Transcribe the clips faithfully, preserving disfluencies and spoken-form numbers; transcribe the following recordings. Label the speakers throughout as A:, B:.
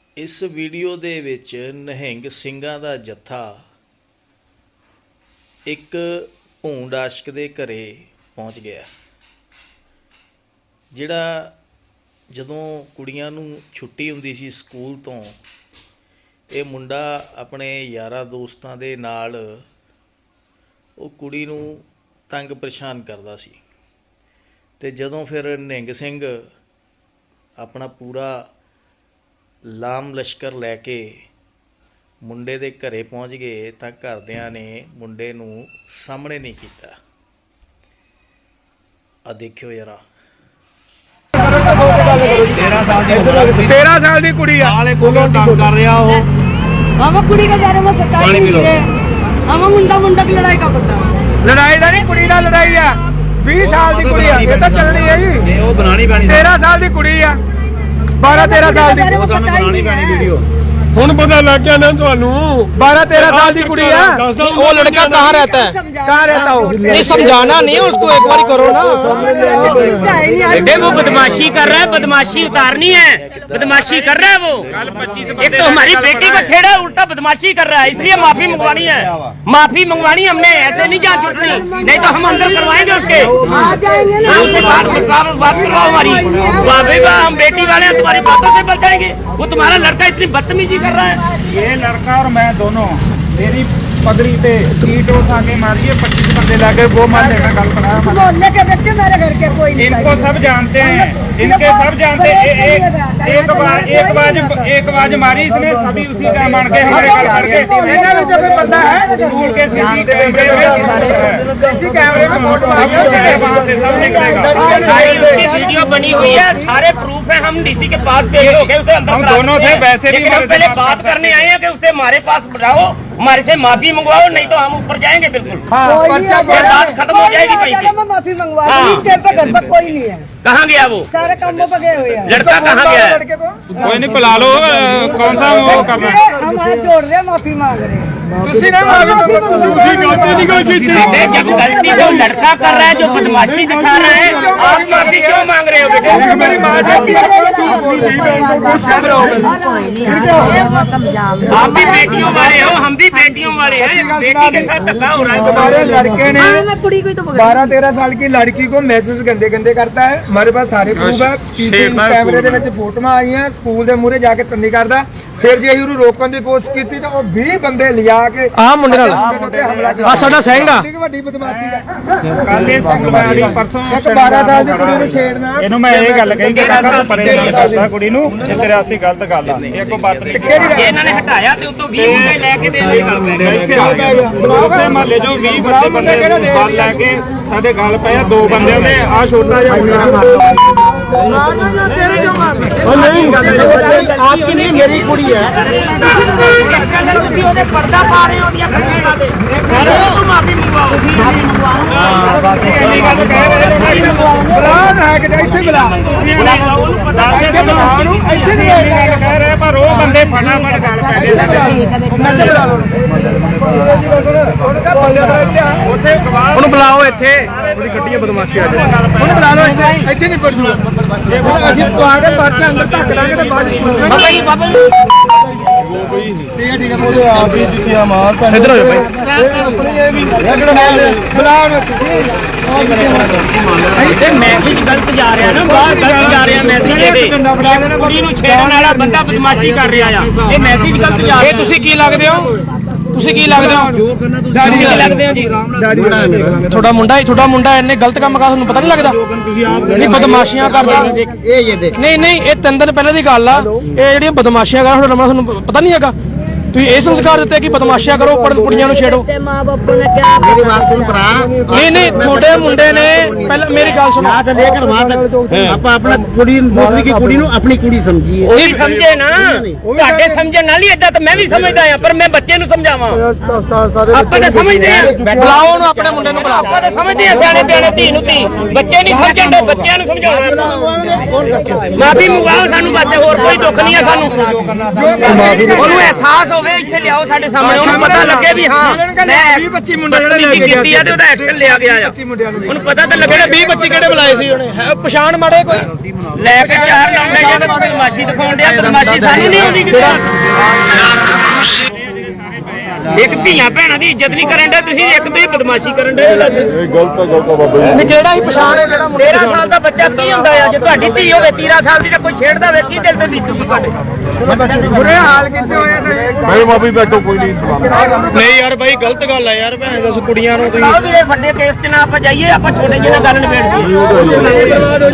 A: इस वीडियो दे विच निहंग ਸਿੰਘਾਂ ਦਾ जत्था एक भूंड आशक दे घरे पहुँच गया। जिहड़ा जदों कुड़ियां नूं छुट्टी हुंदी सी स्कूल तो ये मुंडा अपने यारां दोस्तां दे नाल वो कुड़ी नूं तंग परेशान करदा सी ते जदों फिर निहंग सिंह अपना पूरा लाम लश्कर लैके मुंडे दे घरे पहुँच गए तो घरदियां ने मुंडे नूं सामने नहीं कीता। आ देखियो यारा
B: तेरह साल की कुड़ी तंग कर रहा हो।
C: हम कुड़ी का जा रहे पता ही नहीं है। हम मुंडा मुंडा की लड़ाई का पता
B: लड़ाई का नहीं कुड़ी का लड़ाई है। बीस साल की कुड़ी है ये तो चलनी है जी।
D: वो बनानी पैनी
B: तेरह साल की कुड़ी है बारह तेरह साल की
D: बनानी पैनी वीडियो
B: ਹੁਣ पता लग गया ना ਤੁਹਾਨੂੰ बारह तेरह साल की कुड़ी है।
E: वो लड़का कहाँ रहता है?
B: कहाँ रहता हो?
E: नहीं समझाना नहीं है उसको, एक बार करो ना।
F: बेटे वो बदमाशी कर रहा है, बदमाशी उतारनी है, बदमाशी कर रहा है वो। एक तो हमारी बेटी को छेड़ा उल्टा बदमाशी कर रहा है, इसलिए माफी मंगवानी है। माफी मंगवानी हमने, ऐसे नहीं जान छुटनी, नहीं तो हम अंदर करवाएंगे उसके। उससे बात बात करवाओ हमारी, हम बेटी वाले हैं, तुम्हारी बातों से बचाएंगे। वो तुम्हारा लड़का इतनी बदतमीजी कर रहा है।
B: ये लड़का और मैं दोनों मेरी पगड़ी पे ईंट उठा के मारिए पच्चीस बंदे लाके वो मान लेना गल बनाया
C: मोहल्ले के बच्चे मेरे घर के कोई नहीं।
B: इनको सब जानते हैं, इनके सब जानते हैं। एक एक बार एक बाज एक बाज मारी इसने सभी उसी का मान के हमारे घर करके पता है स्कूल के सीसी कैमरे में सीसी कैमरे में फोटो वहां से सब निकलेगा।
F: सारी उसकी वीडियो बनी हुई है, सारे प्रूफ है। हम डीसी के पास पेश हो गए, उसे अंदर
B: हम दोनों थे वैसे भी
F: हम पहले बात करने आए हैं कि उसे हमारे पास बुलाओ, हमारे से माफी मंगवाओ, नहीं तो हम ऊपर जाएंगे बिल्कुल। बात खत्म हो जाएगी वहीं पे।
C: मैं माफी मंगवा पे घर पर कोई नहीं है।
F: कहाँ गया वो?
C: सारे कामों पर गए हुए हैं।
F: लड़का कहाँ गया है?
B: कोई नहीं बुला लो, कौन सा वो करना है?
C: हम हाथ जोड़ रहे हैं, माफी मांग रहे हैं।
F: बेटे जब गलती जो लड़का कर रहा है, जो बदमाशी दिखा रहा है, आप माफी क्यों मांग रहे हो बेटे? आप भी बेटियों वाले हो, हम भी बेटियों वाले हैं। बेटी के साथ धक्का हो रहा है।
B: हमारे लड़के ने बारह तेरह साल की लड़की को मैसेज गंदे गंदे करता है। हमारे पास सारे प्रूफ है, कैमरे ਦੇ ਵਿੱਚ ਫੋਟੋਆਂ ਆਈਆਂ। ਸਕੂਲ ਦੇ ਮੂਹਰੇ ਜਾ ਕੇ ਤੰਨੀ ਕਰਦਾ। ਫਿਰ ਜੇ ਉਹਨੂੰ ਰੋਕਣ ਦੀ ਕੋਸ਼ਿਸ਼ ਕੀਤੀ ਤਾਂ ਉਹ ਵੀਹ ਬੰਦੇ ਲਿਆ ਕੇ
E: ਆਹ ਮੁੰਡੇ ਨਾਲ
B: ਆ
E: ਸਾਡਾ ਸਿੰਘ ਆ।
B: ਵੱਡੀ ਬਦਮਾਸ਼ੀ ਦਾ ਕੱਲ ਇਹ ਸਿੰਘ ਵਾਲੀ ਪਰਸੋਂ ਇੱਕ ਬਾਰਾਂ ਸਾਲ ਦੀ ਕੁੜੀ ਨੂੰ ਛੇੜਨਾ। ਇਹਨੂੰ ਮੈਂ ਇਹ ਗੱਲ ਕਹੀ ਕਿ ਕਾਕਾ ਪਰੇ ਨਾਲ ਕਰਦਾ ਕੁੜੀ ਨੂੰ, ਇਹ ਤੇਰੇ ਵਾਸਤੇ ਗਲਤ ਗੱਲ ਆ। ਇਹ ਕੋ ਬਾਤ ਨਹੀਂ
F: ਇਹਨਾਂ ਨੇ ਹਟਾਇਆ ਤੇ ਉਤੋਂ ਵੀਹ ਮੁੰਡੇ ਲੈ ਕੇ ਦੇ ਦੇ ਗੱਲ ਪੈ
B: ਉਸੇ ਮਹੱਲੇ ਚੋਂ ਵੀਹ ਬੱਚੇ ਬੰਦੇ ਬਲ ਲੈ ਕੇ ਸਾਡੇ ਗੱਲ ਪਏ ਆ। ਦੋ ਬੰਦਿਆਂ ਨੇ ਆ ਛੋਟਾ ਜਿਹਾ ਮੁੰਡਾ
E: आपकी नहीं मेरी कुड़ी है।
F: पर्दा पा रहे हो माफी मंगवाओ।
B: पर वो बंदे फटाफट गल पै
E: ਉਹਨੂੰ ਬੁਲਾਓ ਇੱਥੇ, ਉਹਦੀ ਗੱਡੀ ਬਦਮਾਸ਼ੀ ਆ ਜਾਏ।
B: ਉਹਨੂੰ ਬੁਲਾ ਲਓ ਇੱਥੇ, ਇੱਥੇ ਨਹੀਂ ਪੜ ਜੂਗਾ। ਅਸੀਂ ਪਵਾ ਕੇ ਬਾਅਦ ਅੰਦਰ ਧੱਕ ਲਾਂਗੇ ਤੇ ਬਾਅਦ
E: ਬਾਬਾ ਜੀ ਬਾਬਾ ਜੀ
B: ਠੀਕ ਹੈ ਠੀਕ ਹੈ ਉਹਦੇ ਆਪ ਹੀ ਜੁੱਤੀਆਂ ਮਾਰ ਪੈ
E: ਇੱਧਰ ਹੋ ਜਾ ਭਾਈ।
B: ਆਪਣੀ ਇਹ ਵੀ ਬੁਲਾ
F: ਇਹ ਮੈਸੇਜ ਗਲਤ ਜਾ ਰਿਹਾ ਨਾ, ਬਾਹਰ ਗਲਤ ਜਾ ਰਿਹਾ ਮੈਸੇਜ। ਇਹਦੇ ਕੁੜੀ ਨੂੰ ਛੇੜਨ ਵਾਲਾ ਬੰਦਾ ਬਦਮਾਸ਼ੀ ਕਰ ਰਿਹਾ ਆ, ਇਹ ਮੈਸੇਜ ਗਲਤ ਜਾ ਰਿਹਾ।
E: ਇਹ ਤੁਸੀਂ ਕੀ ਲੱਗਦੇ ਹੋ? ਤੁਸੀਂ ਕੀ ਲੱਗਦੇ ਹੋ?
F: ਕੀ ਲੱਗਦੇ ਹੋ ਜੀ?
E: ਤੁਹਾਡਾ ਮੁੰਡਾ ਹੀ ਤੁਹਾਡਾ ਮੁੰਡਾ ਇੰਨੇ ਗਲਤ ਕੰਮ ਕਰਦਾ, ਤੁਹਾਨੂੰ ਪਤਾ ਨਹੀਂ ਲੱਗਦਾ? ਨਹੀਂ ਬਦਮਾਸ਼ੀਆਂ ਕਰਦਾ। ਨਹੀਂ ਨਹੀਂ ਇਹ ਤਿੰਨ ਦਿਨ ਪਹਿਲੇ ਦੀ ਗੱਲ ਆ। ਇਹ ਜਿਹੜੀਆਂ ਬਦਮਾਸ਼ੀਆਂ ਕਰਦਾ ਤੁਹਾਡਾ ਤੁਹਾਨੂੰ ਪਤਾ ਨਹੀਂ ਹੈਗਾ? ਤੁਸੀਂ ਇਹ ਸੰਸਕਾਰ ਦਿੱਤੇ ਕਿ ਬਦਮਾਸ਼ੀਆਂ ਕਰੋ, ਪਰ ਕੁੜੀਆਂ ਨੂੰ ਛੇੜੋ।
C: माँ बापू ने क्या
E: ਮੇਰੀ ਬਾਤ ਸੁਣ ਭਰਾ। ਨਹੀਂ ਨਹੀਂ ਤੁਹਾਡੇ ਮੁੰਡੇ ਨੇ ਪਹਿਲਾਂ ਮੇਰੀ ਗੱਲ ਸੁਣੋ।
D: से लेकर वहां तक आप अपना कुड़ी दूसरी की कुड़ी अपनी कुड़ी समझिए।
F: ਉਹੀ ਸਮਝੇ ਨਾ, ਤੁਹਾਡੇ ਸਮਝਣ ਨਾਲ ਹੀ ਏਦਾਂ ਤਾਂ ਮੈਂ ਵੀ ਸਮਝਦਾ ਆ, ਪਰ ਮੈਂ ਬੱਚੇ ਨੂੰ ਸਮਝਾਵਾਂ। ਆਪਾਂ ਤਾਂ ਸਮਝਦੇ ਆ,
E: ਬੁਲਾਓ ਉਹਨੂੰ, ਆਪਣੇ ਮੁੰਡੇ ਨੂੰ ਬੁਲਾਓ।
F: ਆਪਾਂ ਤਾਂ ਸਮਝਦੇ ਆ ਸਿਆਣੇ ਪਿਆਣੇ ਧੀ ਨੂੰ ਧੀ। ਬੱਚੇ ਨਹੀਂ ਸਮਝਣ ਦੇ, ਬੱਚਿਆਂ ਨੂੰ ਸਮਝਾਉਣਾ। ਮਾਫੀ ਮੰਗਵਾਓ ਸਾਨੂੰ, ਬਸ ਹੋਰ ਕੋਈ ਦੁੱਖ ਨਹੀਂ ਆ ਸਾਨੂੰ। ਉਹਨੂੰ ਅਹਿਸਾਸ ਹੋਵੇ ਇੱਥੇ ਲਿਆਓ ਸਾਡੇ ਸਾਹਮਣੇ, ਉਹਨੂੰ ਪਤਾ ਲੱਗੇ ਵੀ ਹਾਂ ਮੈਂ ਵੀਹ ਪੱਚੀ ਮੁੰਡੇ ਜਿਹੜੇ ਕੀਤੀ ਆ ਤੇ ਉਹਦਾ ਐਕਸ਼ਨ ਲਿਆ ਗਿਆ ਆ, ਉਹਨੂੰ ਪਤਾ ਤਾਂ ਲੱਗੇ।
E: ਵੀਹ ਪੱਚੀ ਕਿਹੜੇ ਬੁਲਾਏ ਸੀ ਉਹਨੇ? ਹੈ ਪਛਾਣ ਮਾੜੇ ਕੋਈ
F: ਲੈ ਕੇ ਚਾਰ ਲੰਡੇ ਜਿਹੜੇ ਬਦਮਾਸ਼ੀ ਦਿਖਾਉਣ ਡਿਆ, ਬਦਮਾਸ਼ੀ ਸਾਨੂੰ ਨਹੀਂ ਆਉਂਦੀ ਕਿਤੇ। ਇੱਕ ਧੀਆਂ ਭੈਣਾਂ ਦੀ ਇੱਜ਼ਤ ਨਹੀਂ ਕਰਨ ਦੇ ਤੁਸੀਂ, ਇੱਕ ਤੁਸੀਂ ਬਦਮਾਸ਼ੀ ਕਰਨ ਦੇ।
E: ਨਹੀਂ ਕਿਹੜਾ ਹੀ ਪਛਾਣ ਹੈ ਜਿਹੜਾ ਮੁੰਡਾ?
F: ਤੇਰਾਂ ਸਾਲ ਦਾ ਬੱਚਾ ਕੀ ਹੁੰਦਾ ਆ? ਜੇ ਤੁਹਾਡੀ ਧੀ ਹੋਵੇ ਤੇਰਾਂ ਸਾਲ ਦੀ ਤਾਂ ਕੋਈ ਛੇੜਦਾ ਵੇ, ਕੀ ਦਿਲ ਤੇ ਬੀਤੂਗੀ ਤੁਹਾਡੇ?
B: ਬੁਰੇ ਹਾਲ ਕੀਤੇ ਹੋਏ ਆ ਤੇ
G: ਮੈਂ ਮਾਫੀ ਬੈਠੋ ਕੋਈ ਨਹੀਂ।
E: ਨਹੀਂ ਯਾਰ ਬਾਈ ਗਲਤ ਗੱਲ ਆ ਯਾਰ, ਭੈਣ ਦੱਸ ਕੁੜੀਆਂ ਨੂੰ ਤੁਸੀਂ
F: ਆਹ ਵੀਰੇ ਵੱਡੇ ਕੇਸ 'ਚ ਨਾ ਆਪਾਂ ਜਾਈਏ, ਆਪਾਂ ਛੋਟੇ ਜਿਹੇ ਨਾਲ ਗੱਲ ਨਿਬੇੜ ਦਈਏ।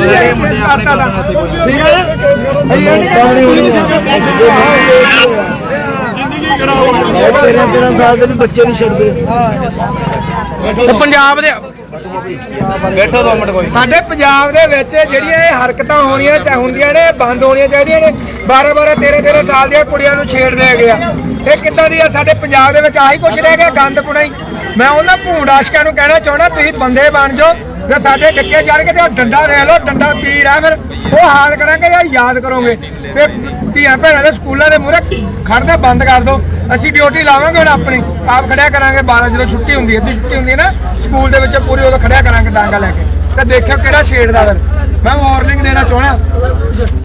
D: तेरह तेरह साल के भी बच्चे नहीं छड़ते।
E: ਤੇ ਪੰਜਾਬ ਦੇ ਬੈਠੋ ਦੋ ਮਿੰਟ ਕੋਈ
B: ਸਾਡੇ ਪੰਜਾਬ ਦੇ ਵਿੱਚ ਜਿਹੜੀਆਂ ਇਹ ਹਰਕਤਾਂ ਹੋਣੀਆਂ ਚਾਹ ਹੁੰਦੀਆਂ ਨੇ ਬੰਦ ਹੋਣੀਆਂ ਚਾਹੀਦੀਆਂ ਨੇ। ਬਾਰਾਂ ਬਾਰਾਂ ਤੇਰਾਂ ਤੇਰਾਂ ਸਾਲ ਦੀਆਂ ਕੁੜੀਆਂ ਨੂੰ ਛੇੜਦੇ ਹੈਗੇ ਆ, ਇਹ ਕਿੱਦਾਂ ਦੀ ਆ? ਸਾਡੇ ਪੰਜਾਬ ਦੇ ਵਿੱਚ ਆਹੀ ਕੁਛ ਰਹਿ ਗਿਆ, ਗੰਦ ਪੁਣਾਈ। ਮੈਂ ਉਹਨਾਂ ਭੂੰਡ ਆਸ਼ਕਾਂ ਨੂੰ ਕਹਿਣਾ ਚਾਹੁੰਦਾ, ਤੁਸੀਂ ਬੰਦੇ ਬਣ ਜਾਓ ਜੇ ਸਾਡੇ ਡਿੱਕੇ ਚੜ ਕੇ ਤੇ ਡੰਡਾ ਲੈ ਲਓ, ਡੰਡਾ ਪੀਰ ਆ, ਫਿਰ ਉਹ ਹਾਲ ਕਰਾਂਗੇ ਜਾਂ ਯਾਦ ਕਰੋਗੇ। ਤੇ ਧੀਆਂ ਭੈਣਾਂ ਦੇ ਸਕੂਲਾਂ ਦੇ ਮੂਹਰੇ ਖੜਨਾ ਬੰਦ ਕਰ ਦਿਓ। ਅਸੀਂ ਡਿਊਟੀ ਲਾਵਾਂਗੇ ਹੁਣ ਆਪਣੀ, ਆਪ ਖੜਿਆ ਕਰਾਂਗੇ ਬਾਰਾਂ ਜਦੋਂ ਛੁੱਟੀ ਹੁੰਦੀ ਹੈ, ਅੱਧੀ ਛੁੱਟੀ ਹੁੰਦੀ ਹੈ ਨਾ ਸਕੂਲ ਦੇ ਵਿੱਚ, ਪੂਰੀ ਉਦੋਂ ਖੜਿਆ ਕਰਾਂਗੇ ਡਾਂਗਾ ਲੈ ਕੇ, ਤੇ ਦੇਖਿਓ ਕਿਹੜਾ ਛੇੜਦਾ। ਫਿਰ ਮੈਂ ਵਾਰਨਿੰਗ ਦੇਣਾ ਚਾਹੁੰਦਾ।